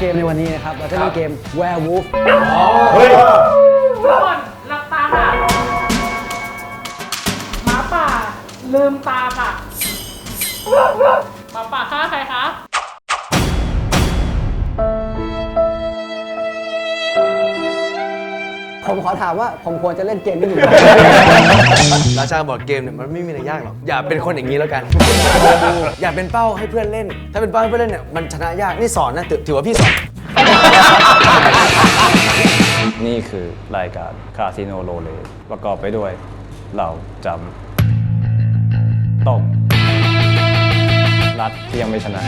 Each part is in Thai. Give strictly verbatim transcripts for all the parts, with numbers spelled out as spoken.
เกมในวันนี้นะครับเราจะเล่นเกม Werewolf เฮ้ยทุกคนหลับตาค่ะหมาป่าลืมตาค่ะหมาป่าฆ่าใครคะผมขอถามว่าผมควรจะเล่นเกมนี้อยู่ไหมราชาบอร์ดเกมเนี่ยมันไม่มีอะไรยากหรอกอย่าเป็นคนอย่างนี้แล้วกัน อย่าเป็นเป้าให้เพื่อนเล่น ถ้าเป็นเป้าให้เพื่อนเล่นเนี่ยมันชนะยากนี่สอนนะถือถือว่าพี่สอนนี่คือรายการคาสิโนโรเลประกอบไปด้วยเราจำต้มรัฐที่ยังไม่ชนะ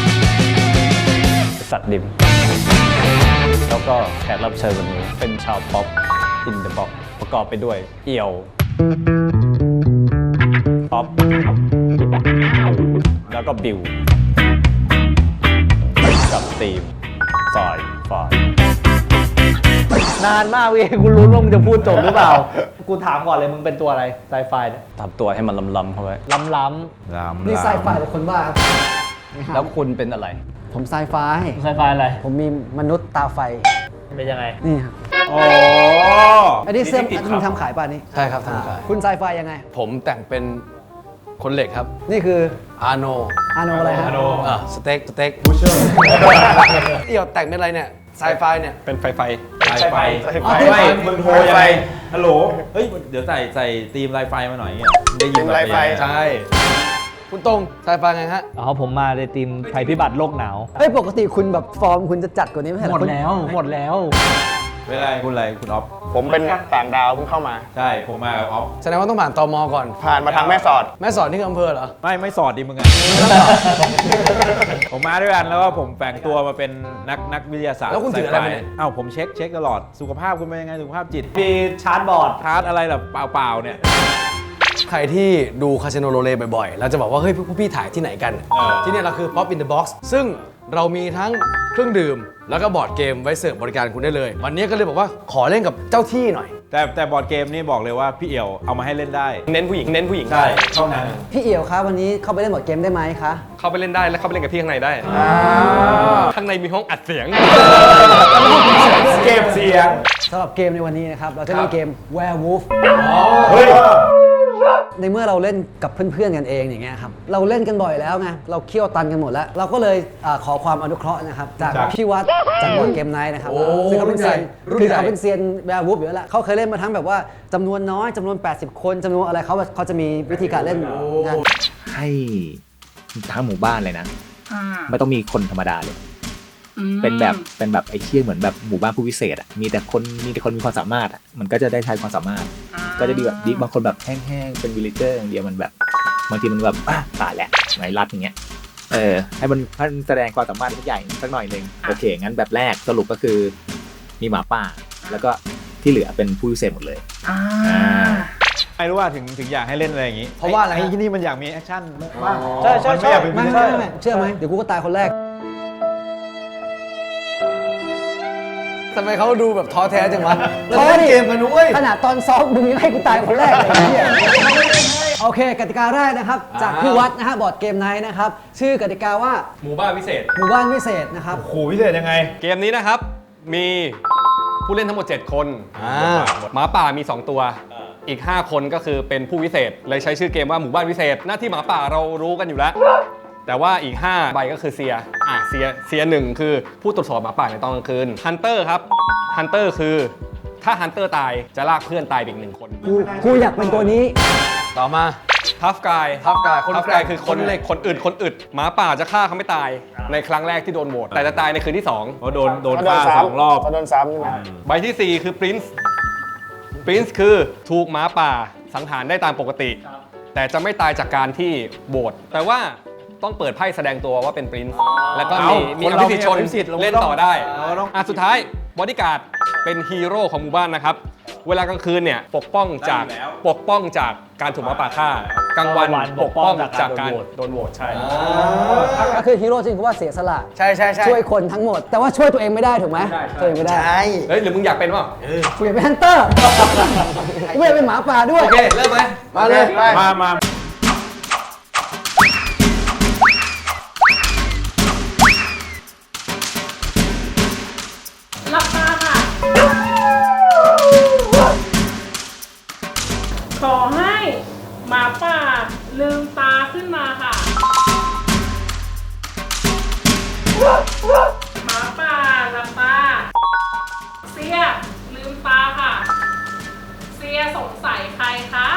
สัตว์ดิม แล้วก็แขกรับเชิญวันนี้เป็นชาวป๊อปอินเดอะบ็อกประกอบไปด้วยเอี่ยวป๊อปแล้วก็บิวกับทีมสายฝ่ายนานมากเว้ยกูรู้ว่ามึงจะพูดจบหรือเปล่า กูถามก่อนเลยมึงเป็นตัวอะไรไซไฟเนี่ยทำตัวให้มันล้ำๆเข้าไว้ล้ำล้นี่ไซไฟหรือคนบ้าครับแล้วคุณเป็นอะไรผมไซไฟำไซไฟอะไรผมมีมนุษย์ตาไฟเป็นยังไงนี่ครับโอ้อันนี้เสื้อคุณทำขายป่ะนี่ใช่ครับทำขายคุณไซไฟยังไงผมแต่งเป็นคนเหล็กครับนี่คืออาโนอาโนอะไรฮะอ่ะสเต็กสเต็กบูเชอร์เอี่ยวแต่งเป็นอะไรเนี่ยไซไฟเนี่ยเป็นไฟไฟไฟไฟอ๋อไฟมึงโทรยังไงฮัลโหล เฮ้ย เดี๋ยวใส่ใส่ธีมไลไฟมาหน่อยเงี้ยได้ยินไลไฟใช่คุณตรงไซไฟไงฮะอ๋อผมมาในทีมภัยพิบัติโลกหนาวเฮ้ยปกติคุณแบบฟอร์มคุณจะจัดกว่านี้ไม่ใช่เหรหมอดคุณแล้วหมดแล้วเวลาคุณอะไรคุณออฟผมเป็นต่างดาวเพิ่งเข้ามาใช่ ผมมากับออฟแสดงว่าต้องผ่านตมก่อนผ่านมาทางแม่สอดแม่สอนที่อำเภอเหรอไม่ไม่สอดดิมึงอะ ผมมาด้วยกันแล้วก็ผมแฝงตัวมาเป็นนักนักวิทยาศาสตร์แล้วคุณถืออะไรมาเนี่ยเอ้าผมเช็คเช็คตลอด สุขภาพคุณเป็นยังไง สุขภาพจิตมีชาร์จบอร์ดทาร์ตอะไรแบบเปล่าๆเนี่ยใครที่ดูคาสิโนโรเลบ่อยๆ เราจะบอกว่า เฮ้ย พวกพี่ถ่ายที่ไหนกันเออที่เนี่ยเราคือ Pop in the Box ซึ่งเรามีทั้งเครื่องดื่ม แล้วก็บอร์ดเกมไว้เสิร์ฟบริการคุณได้เลย วันนี้ก็เลยบอกว่าขอเล่นกับเจ้าที่หน่อยแต่แต่บอร์ดเกมนี่บอกเลยว่าพี่เอี่ยวเอามาให้เล่นได้เน้นผู้หญิงเน้นผู้หญิงใช่เท่านั้นพี่เอี่ยวครับวันนี้เข้าไปเล่นบอร์ดเกมได้ไหมคะเข้าไปเล่นได้แล้วเข้าไปเล่นกับพี่ข้างในได้ ข้างในมีห้องอัดเสียงเก็บเสียงสำหรับเกมในวันนี้นะครับเราจะเล่นเกม Werewolf เฮ้ยในเมื่อเราเล่นกับเพื่อนๆกันเองอย่างเงี้ยครับเราเล่นกันบ่อยแล้วไงเราเคี่ยวตันกันหมดแล้ว เราก็เลยอ่าขอความอนุเคราะห์นะครับจากจากพี่วัดจากบอร์ดเกมไนท์นะครับโอ้ซึ่งเขาเป็นเซียนรุ่นคือใหญ่เขาเป็นเซียนแวร์วูฟอยู่แล้วแหละเขาเคยเล่นมาทั้งแบบว่าจำนวนน้อยจำนวนแปดสิบคนจำนวนอะไรเขาเขาจะมีวิธีการเล่นนะให้ทั้งหมู่บ้านเลยนะ ไม่ต้องมีคนธรรมดาเลย เป็นแบบเป็นแบบไอ้เชี่ยเหมือนแบบหมู่บ้านผู้พิเศษอ่ะมีแต่คนมีแต่คนมีความสามารถอ่ะมันก็จะได้ใช้ความสามารถ ก็จะดีแบบดีบางคนแบบแห้งๆเป็นวิลเลเจอร์อย่างเดียวมันแบบบางทีมันแบบอ่ะตายแหละไหนรัดอย่างเงี้ยเออให้มันให้มันแสดงความสามารถทุกอย่างสักหน่อยหนึ่งโอเคงั้นแบบแรกสรุปก็คือมีหมาป่าแล้วก็ที่เหลือเป็นผู้พิเศษหมดเลยอ่าไม่รู้ว่าถึงถึงอยากให้เล่นอะไรอย่างงี้เพราะว่าอะไรฮะไอ้ที่นี่มันอยากมีแอคชั่นบ้างใช่ใช่มันไม่อยากเป็นไม่วิลไม่เลเจอไม่ร์ไม่เชื่อไหมเดี๋ยวกูก็ตายคนแรกทำไมเขาดูแบบท้อแท้จังวะท้อดิเล่นเกมกันนุ้ยขนาดตอนซ้อมมึงยังให้กูตายคนแรกเลยไอ้เหี้ยโอเคกติกาแรกนะครับจากพี่วัดนะฮะบอร์ดเกมไนท์นะครับชื่อกติกาว่าหมู่บ้านพิเศษหมู่บ้านพิเศษนะครับโอ้โหพิเศษยังไงเกมนี้นะครับ มีผู้เล่นทั้งหมด เจ็ด คนอ่าหมาป่ามี สอง ตัว อีก ห้า คนก็คือเป็นผู้วิเศษ เลยใช้ชื่อเกมว่าหมู่บ้านวิเศษ หน้าที่หมาป่าเรารู้กันอยู่แล้ว แต่ว่าอีก ห้า ใบก็คือเซียอ่ะเซียเซียหนึ่งคือผู้ตรวจสอบหมาป่าในตอนกลางคืนฮันเตอร์ครับฮันเตอร์คือถ้าฮันเตอร์ตายจะลากเพื่อนตายไปอีกหนึ่งคนกูกูอยากเป็นตัวนี้ต่อมาทัฟกายทัฟกายคนทัฟแกร่กายงคือคนคนเหล็กคนอึดคนอึดหมาป่าจะฆ่าเขาไม่ตายในครั้งแรกที่โดนโหวตแต่จะตายในคืนที่สองเพราะโดนโดนเขาโดนฆ่าซ้ำสองรอบเขาโดนซ้ำใช่ไหมใบที่สี่คือ Prince Prince คือถูกหมาป่าสังหารได้ตามปกติ แต่จะไม่ตายจากการที่โหวตแต่ว่าต้องเปิดไพ่แสดงตัวว่าเป็น Prince แล้วก็มีเอ้ามีคนอเราภิสิทธิ์ชนมีอภิสิทธิ์เราก็เล่นต้องต่อได้เราก็ต้องอ่ะสุดท้ายบอดี้การ์ดเป็นฮีโร่ของหมู่บ้านนะครับ เวลากลางคืนเนี่ยปกป้องจากปกป้องจากการถูกหมาป่าฆ่ากลางวันปกป้องจากการโดนโหวตใช่ก็คือฮีโร่จริงคือว่าเสียสละใช่ใช่ใช่ช่วยคนทั้งหมด แต่ว่าช่วยตัวเองไม่ได้ถูกไหมช่วยตัวเองไม่ได้ใช่เฮ้ยหรือมึงอยากเป็นวะกูอยากเป็นฮันเตอร์กูอยากเป็นหมาป่าด้วยโอเคเริ่มไหมมาเลยมามาเหมาป่าหลับตา เสียลืมตาค่ะ เสียสงสัยใครคะ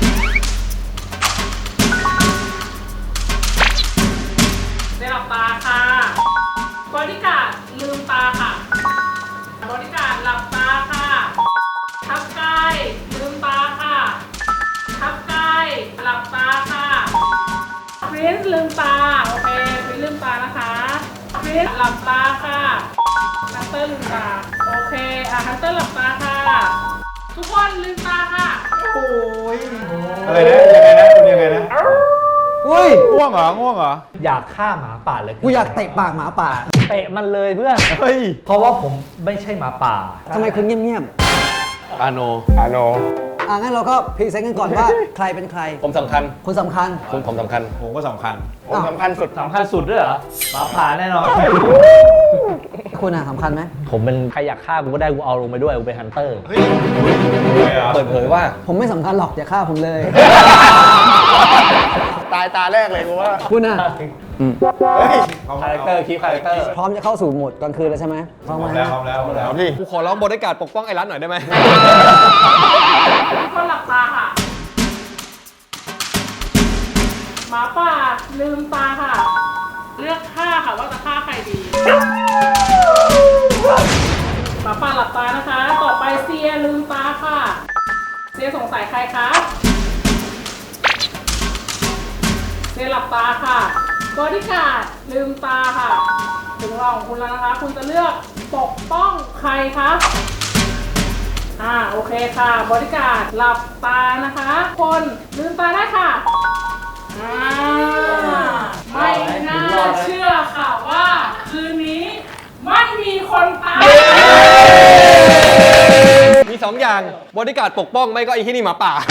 เสียหลับตาค่ะบอดี้การ์ดลืมตาค่ะบอดี้การ์ดหลับตาค่ะทับกายลืมตาค่ะทับกายหลับตาค่ะพรินซ์ลืมตาโอเคพรินซ์ลืมตานะคะพรินซ์หลับตาค่ะฮันเตอร์ลืมตาโอเคอ่ะฮันเตอร์หลับตาค่ะทุกคนลืมตาค่ะอะไรนะยังไงนะคุณยังไงนะอุ้ยง่วงเหรอง่วงเหรออยากฆ่าหมาป่าเลยกูอยากเตะปากหมาป่าเตะมันเลยเพื่อนเฮ้ยเพราะว่าผมไม่ใช่หมาป่าทำไมคุณเงียบอาโนอาโนๆอ่ะงั้นเราก็พรีเซนต์กันก่อนว่าใครเป็นใครผมสำคัญคุณสำคัญผมผมสำคัญผมก็สำคัญผมสำคัญสุดสำคัญสุดด้วยเหรอหมาป่าแน่นอนคุณอ่ะสำคัญไหมผมเป็นใครอยากฆ่ากูก็ได้กูเอาลงไปด้วยกูเป็นฮันเตอร์เปิดเผยว่าผมไม่สำคัญหรอกอย่าฆ่าผมเลยตายตาแรกเลยกูว่าคุณอ่ะคาแรคเตอร์คีฟคาแรคเตอร์พร้อมจะเข้าสู่โหมดกลางคืนแล้วใช่ไหมพร้อมพร้อมไหมแล้วพร้อมแล้วพร้อมแล้วเอาพี่กูขอร้องบริการปกป้องไอ้รัฐหน่อยได้ไหมทุกคนหลับตาค่ะหมาป่าลืมตาค่ะ เลือกฆ่าค่ะว่าจะฆ่าใครดีหมาป่าหลับตานะคะ ต่อไปเซียลืมตาค่ะ เซียสงสัยใครคะเซียหลับตาค่ะบอดี้การ์ดลืมตาค่ะ ถึงรองคุณแล้วนะคะ คุณจะเลือกปกป้องใครคะอ่าโอเคค่ะบอดี้การ์ดหลับตานะคะ คนลืมตาได้ค่ะอ่าไม่น่าเชื่อค่ะว่าคืนนี้ไม่มีคนตายมีสองอย่างบริการปกป้องไม่ก็ไอ้ที่นี่หมาป่า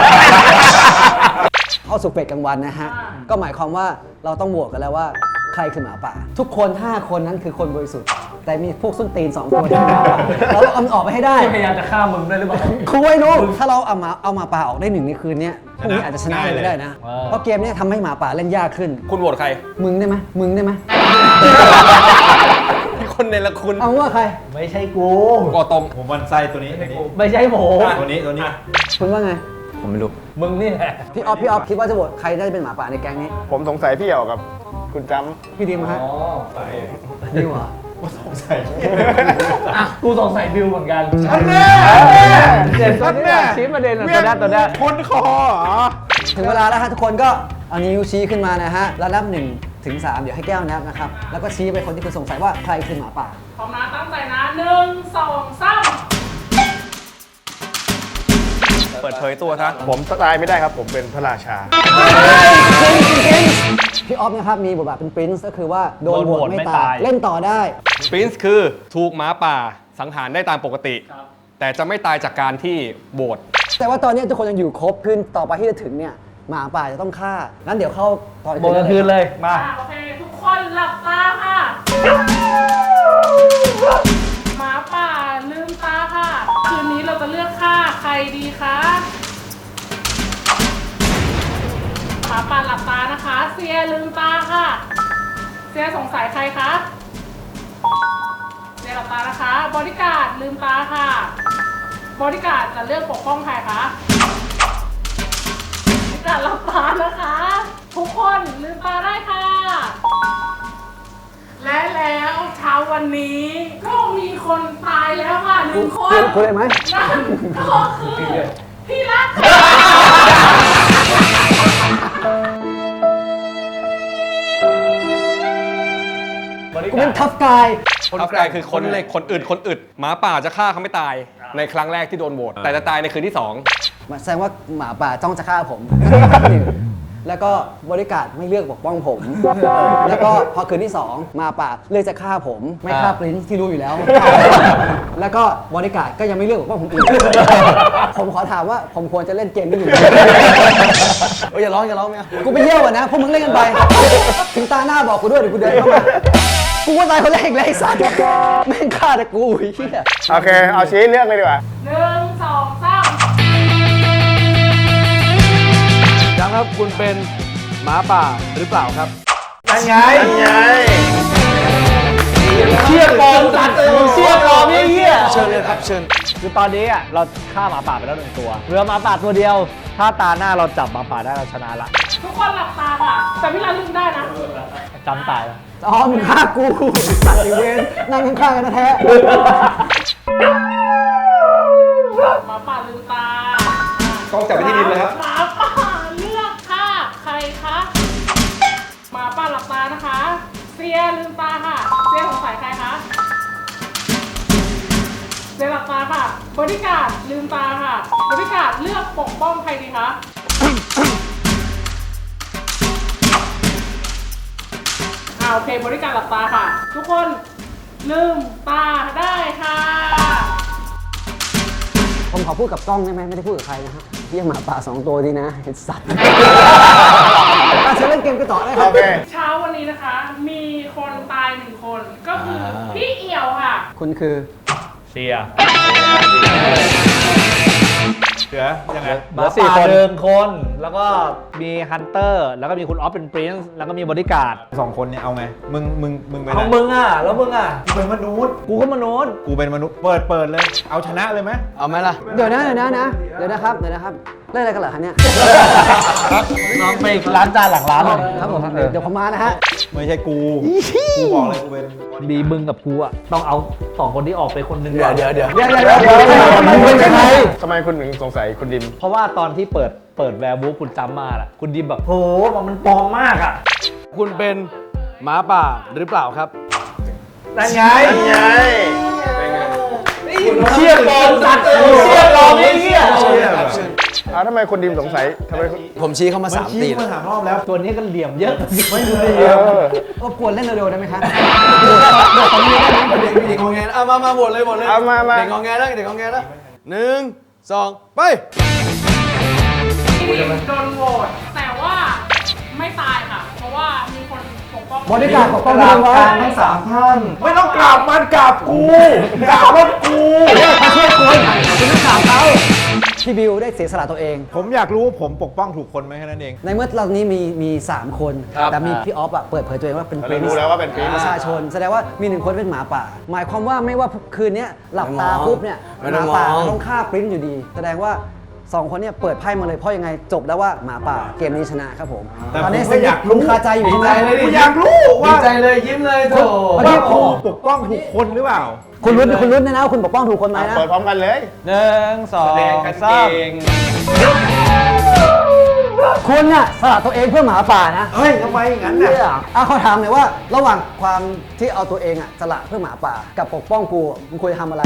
เข้าสู่เฟสกลางวันนะฮะ ก็หมายความว่าเราต้องโหวตกันแล้วว่าใครคือหมาป่า ทุกคน ห้า คนนั้นคือคนบริสุทธิ์ แต่มีพวกส้นตีนสองคนที่เป็นหมาป่าเราต้องเอามันออกไปให้ได้พยายามจะฆ่ามึงด้วยหรือเปล่าคุยนุ๊กถ้าเราเอาหมาเอาหมาป่าออกได้หนึ่งในคืนนี้พรุ่งนี้อาจจะชนะเลยก็ได้นะเออเพราะเกมเนี้ทำให้หมาป่าเล่นยากขึ้นคุณโหวตใครมึงได้ไหมมึงได้ไหมมีคนในละคุณเอาว่าใครไม่ใช่กูกอตมผมมันไส้ตัวนี้ตัวนี้ไม่ใช่ผมตัวนี้ตัวนี้คุณว่าไงผมไม่รู้มึงนี่แหละพี่ออฟพี่ออฟคิดว่าจะโหวตใครได้เป็นหมาป่าในแก๊งนี้ผมสงสัยพี่เอี่ยวกับคุณจพี่ดิมฮะดิมเหรออ่ะกูสงสัยบิวเหมือนกันอันแน่เด่นตัวนี้แหละชี้ประเด็นอะตัวนี้ตัวนี้คนคอเหรอถึงเวลาแล้วฮะทุกคนก็เอานิ้วชี้ขึ้นมานะฮะแล้วนับหนึ่งถึงสามเดี๋ยวให้แก้วนับนะครับแล้วก็ชี้ไปคนที่คุณสงสัยว่าใครคือหมาป่าพร้อมนะตั้งใจนะหนึ่งสองสามเปิดเผยตัวซะำผมตายไม่ได้ครับ ผมเป็นพระราชาพี่ออฟนะครับมีบทบาทเป็นปรินซ์ก็คือว่าโดนโหวตไม่ตายเล่นต่อได้ปรินซ์คือถูกหมาป่าสังหารได้ตามปกติ แต่จะไม่ตายจากการที่โหวตแต่ว่าตอนนี้ทุกคนยังอยู่ครบขึ้นต่อไปที่จะถึงเนี่ยหมาป่าจะต้องฆ่างั้นเดี๋ยวเข้าตอนโบนคืนเลยมาอ่ะโอเค ทุกคนหลับตาค่ะหมาป่าลืมตาค่ะ คืนนี้เราจะเลือกฆ่าใครดีคะหมาป่าหลับตานะคะ เซียลืมตาค่ะ เซียสงสัยใครคะเซียหลับตานะคะบอดี้การ์ดลืมตาค่ะบอดี้การ์ดจะเลือกปกป้องใครคะบอดี้การ์ดหลับตานะคะ ทุกคนลืมตาได้ค่ะ และแล้วเช้าวันนี้ก็มีคนตายแล้วค่ะหนึ่งคนคุณเลยไหมนั่นก็คือพี่รักกูเป็นทัฟกายคนกลายคือคนในคนอื่นคนอึดหมาป่าจะฆ่าเขาไม่ตายในครั้งแรกที่โดนโหวตแต่จะตายในคืนที่สองแสดงว่าหมาป่าจ้องจะฆ่าผม แล้วก็บริการไม่เลือกปกป้องผม แล้วก็พอคืนที่สองหมาป่าเลือกจะฆ่าผม ไม่ฆ่าปรินซ์ที่รู้อยู่แล้ว แล้วก็บริการก็ยังไม่เลือกปกป้องผมอีก ผมขอถามว่าผมควรจะเล่นเกมนี้อยู่ไหมเอ้ยอย่าร้องอย่าร้องไม่เอากูไปเยี่ยวอ่ะนะพวกมึงเล่นกันไป ถึงตาหน้าบอกกูด้วยเดี๋ยวกูเดินเข้ามา กูว่าตายคนแรกเลยไอ้สัตว์แม่งฆ่าแต่กูไอ้เหี้ยโอเค เอาชี้เลือกเลยดีกว่าหนึ่งสองสามยังครับคุณเป็นหมาป่าหรือเปล่าครับยังไงยังไงเชิญคือตอนนี้อ่ะเราฆ่าหมาป่าไปแล้วหนึ่งตัวเหลือหมาป่าตัวเดียว ถ้าตาหน้าเราจับหมาป่าได้เราชนะละทุกคนหลับตาค่ะ แต่พี่รันลืมได้นะจำตายแล้วอ๋อมึงฆ่ากูสัตว์อีเวนนั่งข้างๆกันนะแท้หมาป่าลืมตาต้องจับไปที่ดินเลยครับหมาป่าเลือกฆ่าใครคะหมาป่าหลับตานะคะ เซียลืมตาค่ะ เซียสงสัยใครคะเซียหลับตาค่ะบริการดลืมตาค่ะบริการดเลือกปกป้องใครดีคะ อ่าโอเคบริการหลับตาค่ะ ทุกคนลืมตาได้ค่ะผมขอพูดกับกล้องได้ไหมไม่ได้พูดกับใครนะฮะเรียกหมาป่าสองตัวดีนะไอ้สัตว์อ่ะเชิญเล่นเกมกันต่อได้ครัโอบ เคเช้าวันนี้นะคะ มีคนตายหนึ่งคน ก็คืออพี่เอี่ยวค่ะคุณคือเสียเสือยังไงหมาป่าหนึ่งคน แล้วก็มีฮันเตอร์ แล้วก็มีคุณออฟเป็นปรินซ์แล้วก็มีบริการดสองคนเนี่ยเอาไง มึง มึง มึงเป็นเอามึงอ่ะ แล้วมึงอ่ะกูเป็นมนุษย์กูก็มนุษย์กูเป็นมนุษย์ เปิด เปิดเลย เอาชนะเลยไหมเอาไหมล่ะเดี๋ยวนะเดี๋ยวนะนะเดี๋ยวนะครับเดี๋ยวนะครับเล่นอะไรกันเหรอคะเนี่ยน้องไปร้านจานหลังร้านเลยครับผมเดี๋ยวผมมานะฮะไม่ใช่กู กูบอกเลยกูเป็นมีมึงกับกูอ่ะ ต้องเอาสองคนที่ออกไปคนหนึงเดี๋ยวเดี๋ยวเดี๋ยวเดี๋ยวเดี๋ยวเดี๋ยวเดี๋ยวทำไมคุณเป็นใครทำไมคุณถึงสงสัยคุณดิมเพราะว่าตอนที่เปิดเปิดแวร์บูฟคุณจำมาล่ะ คุณดิมแบบโหมันปลอมมากอ่ะคุณเป็นหมาป่าหรือเปล่าครับนั่นไงไงเชี่ยปลอมสัตว์เชี่ยปลอมไอ้เหี้ยเชี่ยแบบอ้าวทำไมคุณดิมสงสัยทำไมคุณผมชี้เข้ามาสามชี้ตีมาสามรอบแล้วตัวนี้ก็เหลี่ยมเยอะไม่ดูดิเออรบกวนเล่นเร็วๆได้ไหมครับเด็กเด็กงอแงเอามามาโหวตเลยโหวตเลยเอามามาเด็กงอแงแล้วเด็กงอแงแล้วหนึ่งสองไปที่โดนโหวตแต่ว่าไม่ตายค่ะ เพราะว่ามีคนปกป้องบริการดปกป้องคุณไว้ทั้งสามท่าน ไม่ต้องกราบมันกราบกูกราบรถกูเขาช่วยคุณคุณต้องถามเขาพี่บิวได้เสียสละตัวเองผมอยากรู้ว่าผมปกป้องถูกคนไหมแค่นั้นเองในเมื่อเรานี้มีมีสามคนครับแต่มีพี่ออฟอะเปิดเผยตัวเองว่าเป็นเรารู้แล้วว่าเป็น Prince ประชาชน แสดงว่ามีหนึ่งคนเป็นหมาป่า หมายความว่าไม่ว่าคืนนี้หลับตาปุ๊บเนี่ยไม่หต้มาองป่าง้อต้องฆ่าปริ้นอยู่ดี แสดงว่าสองคนเนี่ยเปิดไพ่มาเลยเพราะยังไงจบแล้วว่าหมาป่าเกมนี้ชนะครับผมแต่ตอนนี้ผมก็อยากรู้คุณคาใจอยู่ใช่ไหมกูอยากรู้ดีว่าใจเลยยิ้มเลยโถว่ากูปกป้องถูกคนหรือเปล่าคุณรุ้นคุณรุ้นนะนะว่าคุณปกป้องถูกคนไหมนะเปิดพร้อมกันเลยหนึ่งสองสามคุณน่ะสละตัวเองเพื่อหมาป่านะเฮ้ยทำไมอย่างนั้นน่ะเนี่ยอ่ะเขาถามหน่อยว่าระหว่างความที่เอาตัวเองอะสละเพื่อหมาป่า กับปกป้องกูมึงควรจะทำอะไร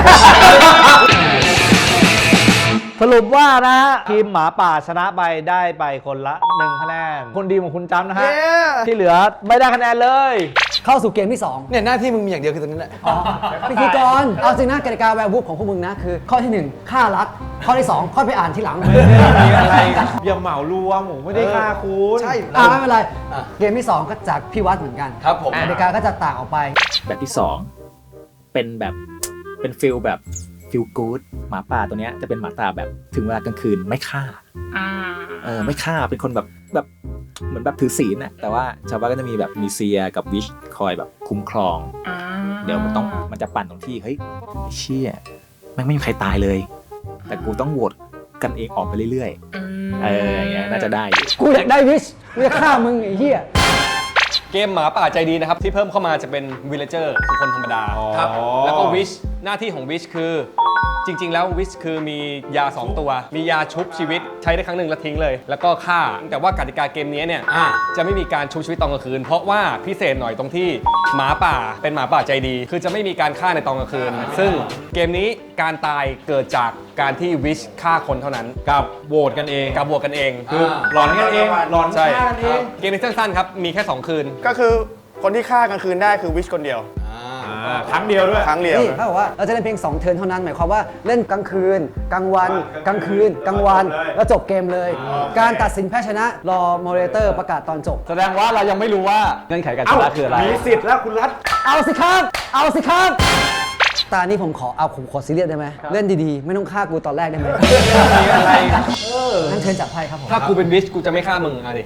สรุปว่านะฮะทีมหมาป่าชนะไปได้ไปคนละหนึ่งคะแนนคนดีของคุณจำนะฮะ ที่เหลือไม่ได้คะแนนเลยเข้าสู่เกมที่สองเนี่ยหน้าที่มึงมีอย่างเดียวคือตรงนี้แหละพิธีกร เอาจริงนะกติกาแวร์วูฟของพวกมึงนะ คือ ข้อที่หนึ่งฆ่ารัดข้อที่สองค่อยไปอ่านทีหลังไม่ได้มีอะไรอย่าเหมารวมผมไม่ได้ฆ่าคุณใช่อ่าไม่เป็นไร เกมที่สองก็จากพี่วัดเหมือนกันครับผมกติกาก็จะต่างออกไปแบบที่สองเป็นแบบเป็นฟิลแบบฟิลกู๊ดหมาป่าตัวเนี้ยจะเป็นหมาป่าแบบถึงเวลากลางคืนไม่ฆ่าเออไม่ฆ่าเป็นคนแบบแบบเหมือนแบบถือศีลนะแต่ว่าชาวบ้านก็จะมีแบบมีเซียกับวิชคอยแบบคุ้มครอง เดี๋ยวมันต้องมันจะปั่นตรงที่เฮ้ยไอ้เชี่ยแม่งไม่มีใครตายเลย แต่กูต้องโหวตกันเองออกไปเรื่อยๆเอออย่างเงี้ยน่าจะได้อยู่กูอยากได้วิชกูจะฆ่ามึงไอ้เหี้ยเกมหมาป่าใจดีนะครับ ที่เพิ่มเข้ามาจะเป็นวิลเลเจอร์คือคนธรรมดาครับแล้วก็วิชหน้าที่ของวิชคือ จริง ๆ แล้ววิชคือมียา สอง ตัว มียาชุบชีวิตใช้ได้ครั้งหนึ่งแล้วทิ้งเลย แล้วก็ฆ่า แต่ว่ากติกาเกมนี้เนี่ยอ่าจะไม่มีการชุบชีวิตตอนกลางคืน เพราะว่าพิเศษหน่อยตรงที่หมาป่าเป็นหมาป่าใจดี คือจะไม่มีการฆ่าในตอนกลางคืน ซึ่งเกมนี้การตายเกิดจากการที่วิชฆ่าคนเท่านั้นกับโหวตกันเองกับบวกกันเองคือหลอนกันเองหลอนใช่ฆ่ากันเองเกมนี้สั้นๆครับมีแค่สองคืนก็คือคนที่ฆ่ากลางคืนได้คือวิชคนเดียวอ่าครั้งเดียวด้วยครั้งเดียวนี่เขาบอกว่าเราจะเล่นเพียงสองเทิร์นเท่านั้นหมายความว่าเล่นกลางคืน กลางวัน กลางคืน กลางวัน แล้วจบเกมเลย การตัดสินแพ้ชนะรอโมเดเลเตอร์ประกาศตอนจบแสดงว่าเรายังไม่รู้ว่าเงื่อนไขการชเอ้านะคืออะไรมีสิทธิ์แล้วคุณรัฐเอาสิครับ เอาสิครับ ตานี้ผมขอเอาผมขอซีเรียสได้ไหมเล่นดีๆ ไม่ต้องฆ่ากูตอนแรกได้ไหมมีอะไรนั่นเชิญจับไพ่ครับผมถ้ากูเป็นวิชกูจะไม่ฆ่ามึงอ่ะดิ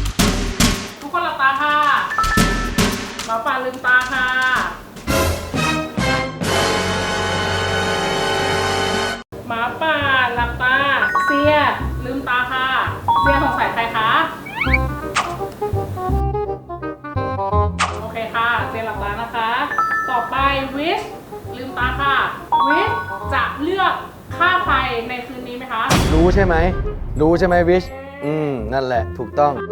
ทุกคนหลับตาค่ะหมาป่าลืมตาค่ะวิชลืมตาค่ะวิชจะเลือกฆ่าใครในคืนนี้ไหมคะรู้ใช่ไหม รู้ใช่ไหมวิช อืม นั่นแหละ ถูกต้อง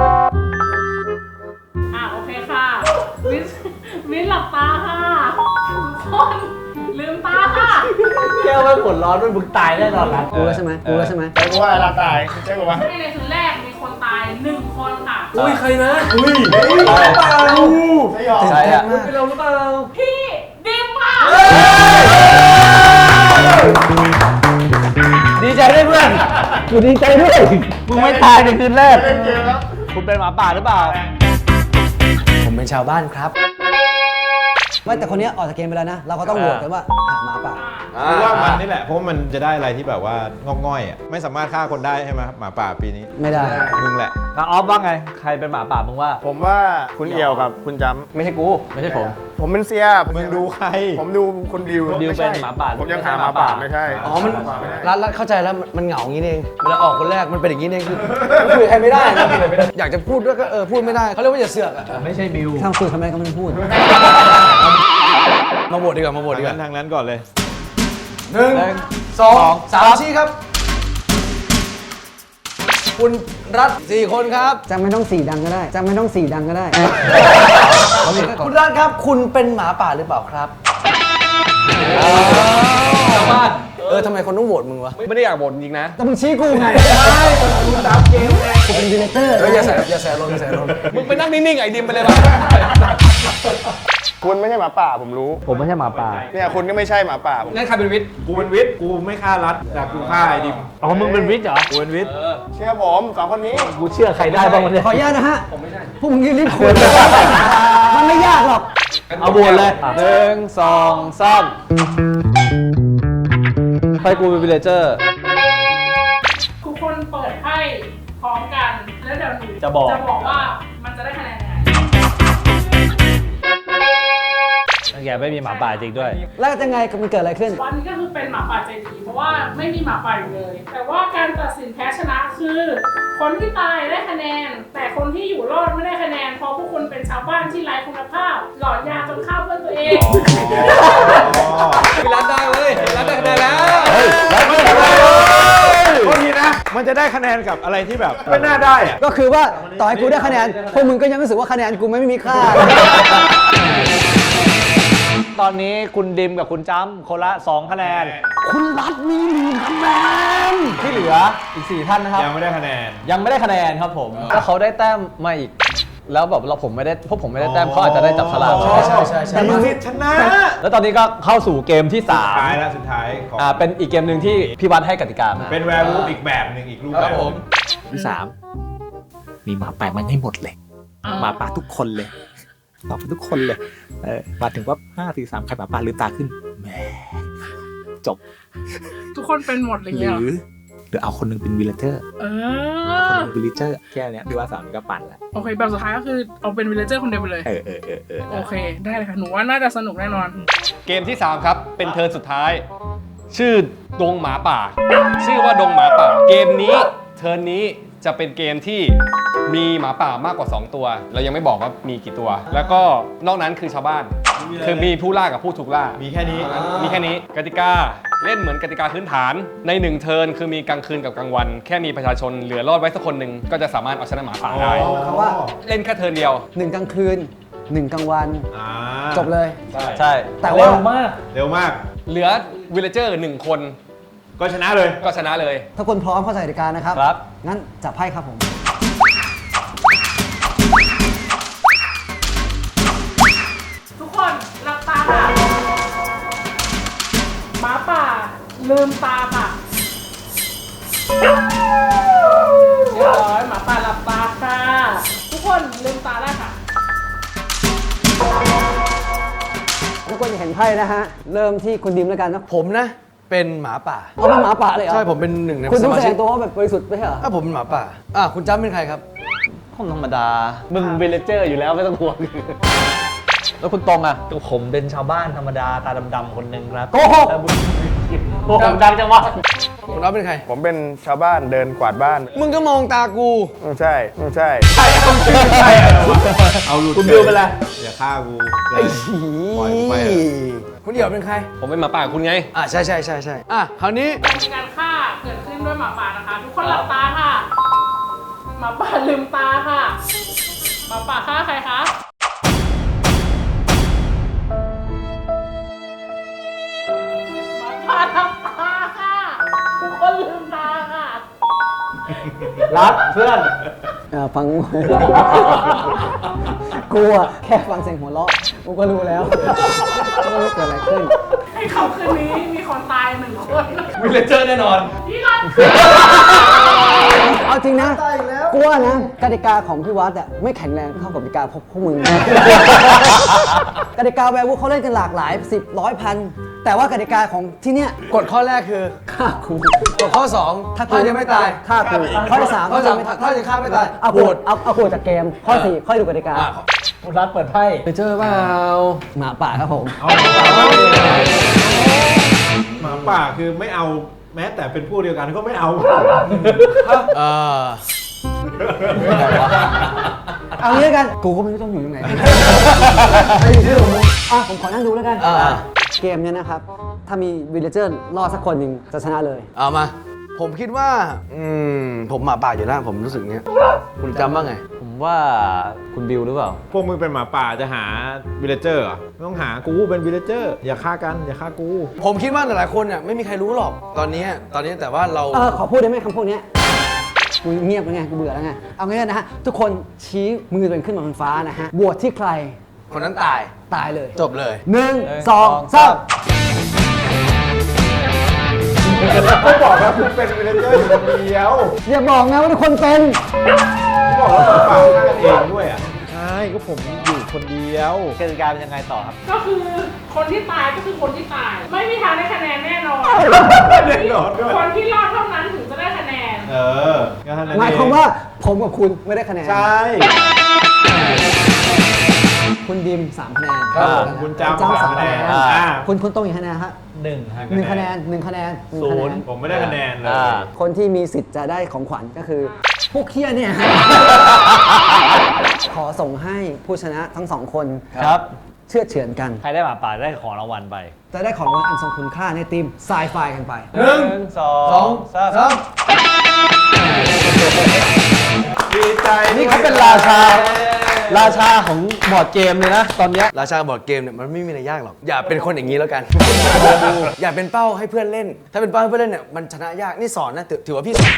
อ่ะโอเคค่ะวิชวิชหลับตาค่ะทุกคนลืมตาค่ะแก้วไม่ผลร้อนด้วยมึงตายแน่นอนนะรู้แล้วใช่ไหมรู้แล้วใช่ไหมใช่กูว่าเราตายใช่กูว่าในคืนแรกมีคนตายหนึ่งคนค่ะอุ้ย ใครนะอุ้ยเฮ้ยเปล่าใช่หรอใช่อะเป็นเราหรือเปล่าพี่ดิมค่ะดีใจด้วยเพื่อนกูดีใจด้วยมึงไม่ตายในคืนแรกเล่นเกมแล้วคุณเป็นหมาป่าหรือเปล่าผมเป็นชาวบ้านครับไม่แต่คนเนี้ยออกจากเกมไปแล้วนะ เราก็ต้องโหวตกันว่าหาหมาป่ากูว่ามันนี่แหละ เพราะมันจะได้อะไรที่แบบว่างอกง่อยอ่ะ ไม่สามารถฆ่าคนได้ใช่ไหมหมาป่าปีนี้ไม่ได้มึงแหละแล้วออฟว่าไง ใครเป็นหมาป่ามึงว่าผมว่าคุณเอี่ยวกับคุณจไม่ใช่กู ไม่ใช่ผมำผมเป็นเซียมึงดูใครผมดูคุณดิวดิวเป็นหมาป่าผมยังหาหมาป่าไม่ใช่อ๋อ มันหาป่าไม่ได้รัดรัดเข้าใจแล้ว มันมันเหงาอย่างนี้เอง เวลาออกคนแรก มันเป็นอย่างนี้เองคือคุยใครไม่ได้นะอยากจะพูดด้วยก็เออ พูดไม่ได้ เขาเรียกว่าอย่าเสือกอะไม่ใช่บิวถ้าคุยทำไมก็ไม่พูดมาโหวตดีกว่า มาโหวตทาดีงกนั้ว่านทางนั้นก่อนเลยหนึ่งสองสามชี้ครับ คุณรัฐสี่คนครับจะไม่ต้องสีดังก็ได้ จะไม่ต้องสีดังก็ได้คุณรัฐครับ คุณเป็นหมาป่าหรือเปล่าครับชาวบ้านเออทำไมคนต้องโหวตมึงวะไม่ได้อยากบ่นจริงนะแต่มึงชี้กูไงกูเป็นดีเลเตอร์เอออย่าแสบอย่าแสบลมอย่าแสบลมมึงไปนั่งนิ่งๆไอ้ดิมไปเลยป่ะคุณไม่ใช่หมาป่าผมรู้ผมไม่ใช่หมาป่าเนี่ยคุณก็ไม่ใช่หมาป่าผมนั่นใครเป็นวิทย์กูเป็นวิทย์ กูไม่ฆ่ารัฐแต่กูฆ่าไอ้ดิมอ๋อ มึงเป็นวิทย์เหรอกูเป็นวิทย์เชื่อผมสองคนนี้กูเชื่อใครได้บ้างวะเนี่ยขออนุญาตนะฮะ ผมไม่ใช่ พวกมึงรีบคุยมันไม่ยากหรอกเอาบวนเลยหนึ่งสองสามไปกูเป็นวิลเลเจอร์ทุกคนเปิดไพ่พร้อมกัน แล้วเดี๋ยวหนูจะบอกจะบอกว่ามันจะได้คะแนนยังไงแกไม่มีหมาป่าจริงด้วยแล้วยังไงมันเกิดอะไรขึ้นวันนี้ก็คือเป็นหมาป่าใจดีเพราะว่าไม่มีหมาป่าอยู่เลย แต่ว่าการตัดสินแพ้ชนะคือ คนที่ตายได้คะแนน แต่คนที่อยู่รอดไม่ได้คะแนนเพราะพวกคุณเป็นชาวบ้านที่ไร้คุณภาพ หลอนยาจนฆ่าเพื่อนตัวเองพี่รัฐได้เว้ยพี่รัฐได้คะแนนแล้วโทษทีนะ มันจะได้คะแนนกับอะไรที่แบบไม่น่าได้อะก็คือว่าต่อให้กูได้คะแนน พวกมึงก็ยังรู้สึกว่าคะแนนกูไม่มีค่าตอนนี้คุณดิมกับคุณจ้ำคนละสองคะแนนคุณรัฐมีหนึ่งคะแนนที่เหลืออีกสี่ท่านนะครับยังไม่ได้คะแนนยังไม่ได้คะแนนครับผมถ้าเขาได้แต้มมาอีก แล้วแบบเราผมไม่ได้พวกผมไม่ได้แต้มเขาอาจจะได้จับฉลากใช่ใช่ใช่ใช่มึงชนะแล้วตอนนี้ก็เข้าสู่เกมที่สุดสามท้ายแล้วสุดท้ายของอ่าเป็นอีกเกมหนึ่งที่พี่วัดให้กติกามาเป็นแวร์วูฟอีกแบบหนึ่งอีกรูปแบบที่สามมีหมาป่ามันให้หมดเลยหมาป่าทุกคนเลยตอบทุกคนเลยเออมาถึงว่าห้าสี่สามใครหมาป่าลืมตาขึ้นแหมจบทุกคนเป็นหมดเลยหรืเนี่ยอหรือเอาคนหนึงเป็นวิลเลเจอร์เอคนหอนึงเป็นวิลเลเจอร์แค่เนี้ยพี่ว่าสามก็ปั่นแล้วโอเคแบบสุดท้ายก็คือเอาเป็นวิลเลเจอร์คนเดียวไปเลยเออเออเออเออโอเค ได้เลยค่ะ หนูว่าน่าจะสนุกแน่นอนเกมที่สามครับ เป็นเทิร์นสุดท้าย ชื่อดงหมาป่า ชื่อว่าดงหมาป่า เกมนี้เทิร์นนี้จะเป็นเกมที่มีหมาป่ามากกว่าสองตัว เรายังไม่บอกว่ามีกี่ตัว แล้วก็นอกนั้นคือชาวบ้าน คือมีผู้ล่ากับผู้ถูกล่ามีแค่นี้มีแค่นี้กติกาเล่นเหมือนกติกาพื้นฐานในหนึ่งเทิร์นคือมีกลางคืนกับกลางวัน แค่มีประชาชนเหลือรอดไว้สักคนหนึ่งก็จะสามารถเอาชนะหมาป่าได้เพราะว่าเล่นแค่เทิร์นเดียวหนึ่งกลางคืนหนึ่งกลางวันอ่าจบเลยใช่แต่ว่าเร็วมากเร็วมากเหลือวิลเลเจอร์หนึ่งคนก็ชนะเลยก็ชนะเลยถ้าคนพร้อมเข้าใจกติกานะครับครับงั้นจับไพ่ครับผมทุกคนหลับตาค่ะหมาป่าลืมตาค่ะเรียบร้อยหมาป่าหลับตาค่ะ ทุกคนลืมตาได้ค่ะทุกคนจะเห็นไพ่นะฮะ เริ่มที่คุณดิมแล้วกันเนอะผมนะ เป็นหมาป่าเอาเป็นหมาป่าเลยเหรอใช่ ผมเป็นหนึ่งในคุณสต้องมาแสดชิกงตัวว่าแบบบริสุทธิ์ไม่ใช่เหรอถ้าผมเป็นหมาป่า อ่ะ คุณจ้ำเป็นใครครับผมธรรมดา มึงวิลเลเจอร์อยู่แล้วไม่ต้องห่วง แล้วคุณตรงอ่ะผมเป็นชาวบ้านธรรมดาตาดำๆคนหนึ่งครับโกหกแต่มึงโอ้โหดังจังวะคุณอ๊อฟเป็นใครผมเป็นชาวบ้านเดินกวาดบ้านมึงก็มองตากูไม่ใช่ไม่ใช่เอาหลุดคุณบิวเป็นไรอย่าฆ่ากูไอ้เลยหีปล่อยไปเถอะคุณเดี่ยวเป็นใครผมเป็นหมาป่าคุณไงอ่ะใช่ใช่ใช่ใช่อ่ะคราวนี้การมีการฆ่าเกิดขึ้นด้วยหมาป่านะคะ ทุกคนหลับตาค่ะ หมาป่าลืมตาค่ะ หมาป่าฆ่าใครคะหมาป่าทำตาค่ะ ทุกคนลืมตาค่ะรัดเพื่อนอ่าฟัง กูอะแค่ฟังเสียงหัวเราะกูก็รู้แล้วว่าเกิดอะไรขึ้นให้เขาคืนนี้มีคนตายหนึ่งคนวิลเลเจอร์แน่นอนพี่รันเอาจริงนะกูว่านะกติกาของพี่วัดอะไม่แข็งแรงเท่ากับกติกาพวกพวกมึง กติกาแวร์วูฟเขาเล่นกันหลากหลายสิบร้อยพันแต่ว่ากติกาของที่เนี้ยกฎข้อแรกคือฆ่ากูกฎข้อสองถ้ายังไม่ตายฆ่ากูข้อที่สามข้อสามถ้ายังฆ่าไม่ตายเอาโหกูวตเอาเอากูจากเกมข้อสี่ค่อยดูกติกาอ่ะคุณรัดเปิดไพ่ไปเจอเปล่าหมาป่าครับผมหมาป่าคือไม่เอาแม้แต่เป็นผู้เดียวกันก็ไม่เอาเออเอางี้แล้วกันกูก็ไม่รู้ต้องอยู่ตรงไหนไอ้เรื่องของมึงอ่ะผมขอนั่งดูแล้วกันอ่าเกมเนี้ยนะครับถ้ามีวิลเลเจอร์รอดสักคนหนึ่งจะชนะเลยเอามา ผมคิดว่า อืม ผมหมาป่าอยู่แล้วผมรู้สึกเงี้ย คุณจำบ้างไงผมว่าคุณบิวหรือเปล่าพวกมึงเป็นหมาป่าจะหาวิลเลเจอร์เหรอไม่ต้องหากูเป็นวิลเลเจอร์อย่าฆ่ากันอย่าฆ่ากูผมคิดว่าหลายๆคนเนี่ยไม่มีใครรู้หรอกตอนนี้ตอนนี้แต่ว่าเราเออขอพูดได้ไหมคำพวกเนี้ยกูเงียบแล้วไงกูเบื่อแล้วไงเอางี้นะฮะทุกคนชี้มือตัวเองขึ้นมาบนฟ้านะฮะโหวตที่ใครคนนั้นตายตายเลยจบเลยหนึ่งหนึ่งสองสองสามก็บอกว่าคุณเป็นวิลเลเจอร์อยู่คนเดียวอย่าบอกนะว่าทุกคนเป็นบอกว่าหมาป่าฆ่ากันเองด้วยอ่ะใช่ก็ผมอยู่คนเดียวกติกาเป็นยังไงต่อครับก็คือคนที่ตายก็คือคนที่ตาย ไม่มีทางได้คะแนนแน่นอนแน่นอนด้วยคนที่รอดเท่านั้นถึงจะได้คะแนนเออก็เท่นั้นหมายความว่าผมกับคุณไม่ได้คะแนนใช่คุณดิมสามคะแนนครับผมคุณจำจำสามคะแนนอ่าอ่าคุณคุณต้องกี่คะแนนฮะหนึ่งหนึ่งคะแนนหนึ่งคะแนนหนึ่งศูคะแนนนย์ผมไม่ได้คะแนนเลยอ่าคนที่มีสิทธิ์จะได้ของขวัญก็คือ พวกเคียเนี่ย ขอส่งให้ผู้ชนะทั้งสองคนครับเชื่อดเฉือนกันใครได้หมาป่าได้ของรางวัลไปจะได้ของรางวัลอันทรงคุณค่าในทีมไซไฟกันไปหนึ่งสอสองสามดีใจนี่เขาเป็นราชา ราชาของบอร์ดเกมเลยนะ ตอนเนี้ยราชาบอร์ดเกมเนี่ยมันไม่มีอะไรยากหรอก อย่าเป็นคนอย่างนี้แล้วกัน อย่าเป็นเป้าให้เพื่อนเล่น ถ้าเป็นเป้าให้เพื่อนเล่นเนี่ยมันชนะยาก นี่สอนนะถือถือว่าพี่สอน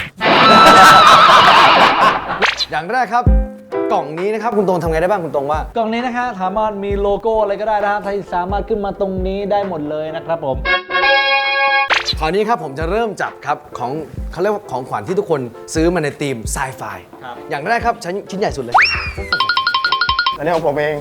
อย่างแรกครับ กล่องนี้นะครับคุณตรงทำไงได้บ้างคุณตรงว่ากล่องนี้นะคะสามารถมีโลโก้อะไรก็ได้นะครับที่สามารถขึ้นมาตรงนี้ได้หมดเลยนะครับผมคราวนี้ครับผมจะเริ่มจับครับของเขาเรียกว่าของขวัญที่ทุกคนซื้อมาในทีมไซไฟอย่างแรกครับชิ้นชิ้นใหญ่สุดเลยอันนี้ของผมเอง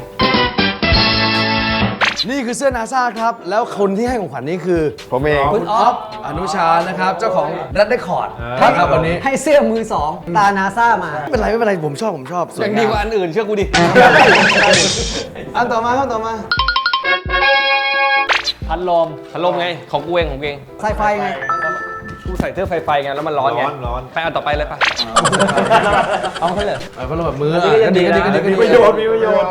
นี่คือเสื้อนาซาครับ แล้วคนที่ให้ของขวัญนี้คือผมเองคุณออฟอนุชานะครับ เจ้าของรัดเดคอร์ดครับวันนี้ให้เสื้อมือสองตานาซ่ามาไม่เป็นไรไม่เป็นไรผมชอบผมชอบสวยังงมดีกว่าอันอื่นเชื่อกูดิอันต่อมาครับต่อมาพัดลมพัดลมไง ของกูเองของกูเองไซไฟไงกูใส่เสื้อไฟไฟไงแล้วมันร้อนไงร้อนร้อนไปอันต่อไปเลยปะเอาไปเลยเออพัดลมแบบมืออันนี้ก็ยังดีนะก็ดีก็ดีมีก็ประดีโยชน์มีประโยชน์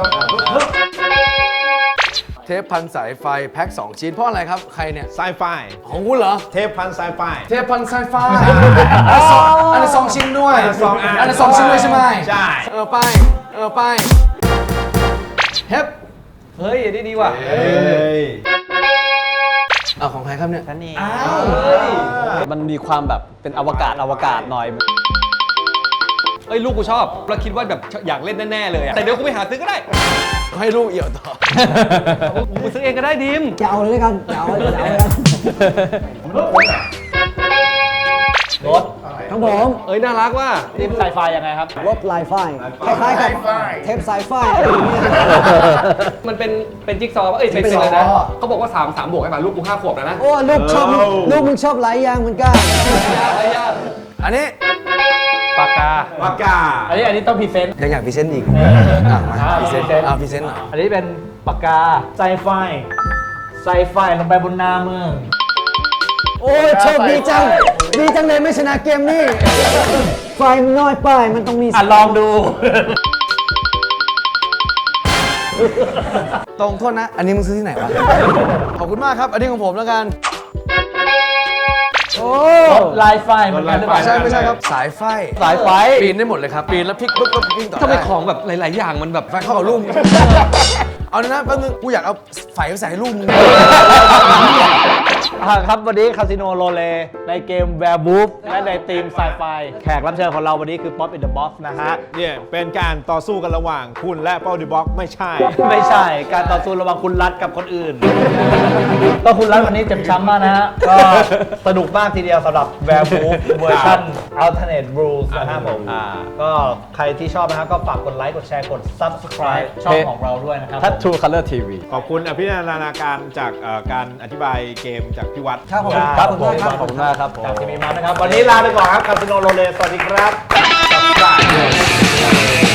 เทปพันสายไฟแพ็คสองชิ้นเพราะอะไรครับใครเนี่ยไซไฟของคุณเหรอเทปพันไซไฟเทปพันสายไฟอันนี้สองชิ้นด้วยอันนี้สองอันอันนี้สองชิ้นด้วยใช่ไหมใช่เออไปเออไปเทปเฮ้ยอันนี้ดีว่ะเฮ้ยอ่าของใครครับเนี่ยท่านนี่มันมีความแบบเป็นอวกาศอวกาศหน่อยเอ้ยลูกกูชอบเราคิดว่าแบบอยากเล่นแน่ๆเลยอะแต่เดี๋ยวกูไปหาซื้อก็ได้ให้ลูกเอี่ยวต่อกูซื้อเองก็ได้ดิมจะเอาเลยด้วยกันจะเอาเลยจะเอาเลยกันรถครับผมเอ้ยน่ารักว่ะทีมไซไฟยังไงครับรถไลไฟคล้ายๆกับเทปไซไฟอะไรอย่างเงี้ยมันเป็นเป็นจิ๊กซอว์ปะเอ้ยเป็นจิ๊เป็นกซอว์อะไรนะเขาบอกว่าสามสามบวกไอ้ป่ะลูกกูห้าขวบแล้วนะโอ้ลูกชอบลูกมึงชอบหลายอย่างเหมือนกันอันนี้ปากกาปากกาอันนี้อันนี้ต้องพรีเซนต์ยังอยากพรีเซนต์อีกอ่ะมาพรีเซนต์อ่ะพรีเซนต์หน่อยอันนี้เป็นปากกาไซไฟไซไฟลงไปบนหน้าเมืองโอ้ยโชคดีจัง ดีจังเลยไม่ชนะเกมนี่ ไฟมันน้อยไปมันต้องมีอ่ะลองดูตรงโทษนะ อันนี้มึงซื้อที่ไหนวะ ขอบคุณมากครับ อันนี้ของผมแล้วกันโอ้ลายไฟเหมือนกันหรือเปล่าไม่ใช่ไม่ใช่ครับ สายไฟสายไฟปีนได้หมดเลยครับ ปีนแล้วพลิกปุ๊บปุ๊บวิ่งต่อทำไมได้ของแบบหลาย ๆ อย่างมันแบบไฟเข้ากับลูก เอานะแป๊บนึงกูอยากเอาไฟไปใส่ให้ลูกมึงอ่ะครับวันนี้คาสิโนโรเลในเกม Werewolf และในทีมไซไฟแขกรับเชิญของเราวันนี้คือ Pop in the Box นะฮะเนี่ยเป็นการต่อสู้กันระหว่างคุณและเป้าดิบ็อกไม่ใช่ไม่ใช่การต่อสู้ระหว่างคุณรัฐกับคนอื่น ก็คุณรัฐวันนี้เจ็บช้ำมากนะฮะ ก็สนุกมากทีเดียวสำหรับ Werewolf เวอร์ชัน Alternate Rules นะครับผมอ่าก็ใครที่ชอบนะครับก็ฝากกดไลค์กดแชร์กด Subscribe ช่องของเราด้วยนะครับทัตทูคัลเลอร์ทีวีขอบคุณอภินันทนาการจากเอ่อการอธิบายเกมจากพี่วัดครับผมครับผมขอบคุณมากครับขอบคุณมากครับจากทีวีมานะครับ วันนี้ลาไปก่อนครับคาสิโนโรเลสวัสดีครับ